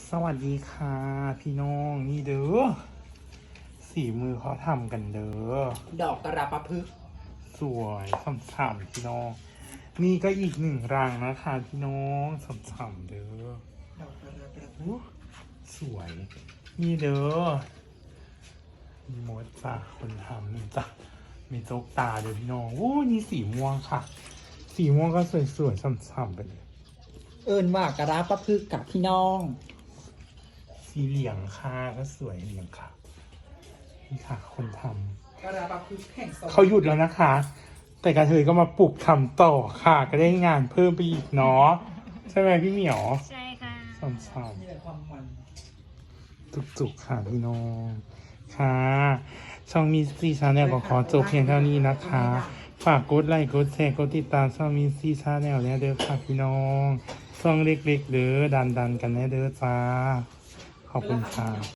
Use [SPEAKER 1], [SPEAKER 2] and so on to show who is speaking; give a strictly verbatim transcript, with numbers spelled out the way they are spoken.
[SPEAKER 1] สวัสดีค่ะพี่น้องนี่เด้อสีมือเขาทำกันเด้อ
[SPEAKER 2] ดอกกระปะพึก
[SPEAKER 1] สวยฉ่ำๆพี่น้องนี่ก็อีกหนึ่งรังนะคะพี่น้องฉ่ำๆเด้อ
[SPEAKER 2] ดอกกระปะพึก
[SPEAKER 1] สวยนี่เด้อมีมดจ้ะคนทำนี่จ้ะมีโจ๊กตาเด้อพี่น้องโอ้นี่สีม่วงค่ะ สีม่วงก็สวยๆฉ่ำๆไปเลย
[SPEAKER 2] เอิญว่ากระปะพึกกับพี่น้อง
[SPEAKER 1] สีเหลืองค่ะก็สวยเหลืองค่ะนี่ค่ะคนทำ
[SPEAKER 2] กระปะพึกแห่งสวรรค์
[SPEAKER 1] เขาหยุดแล้วนะคะ แต่กระเทยก็มาปลุกทำต่อค่ะ ก็ได้งานเพิ่มไปอีกเนาะใช่ไหมพี่เหมียว
[SPEAKER 3] ใช่ค่ะ
[SPEAKER 1] สาม
[SPEAKER 2] นี่แหละความมัน
[SPEAKER 1] ๆจุกๆค่ะพี่น้องค่ะช่องมีซีชาแนลก็ขอจบเพียงเท่านี้นะคะ ฝากกดไลค์กดแชร์กดติดตามช่องมีซีชาแนลเนี่ยเด้อค่ะพี่น้องช่องเล็กๆเด้อดันๆกันแน่เด้อจ้าขอบคุณค่ะ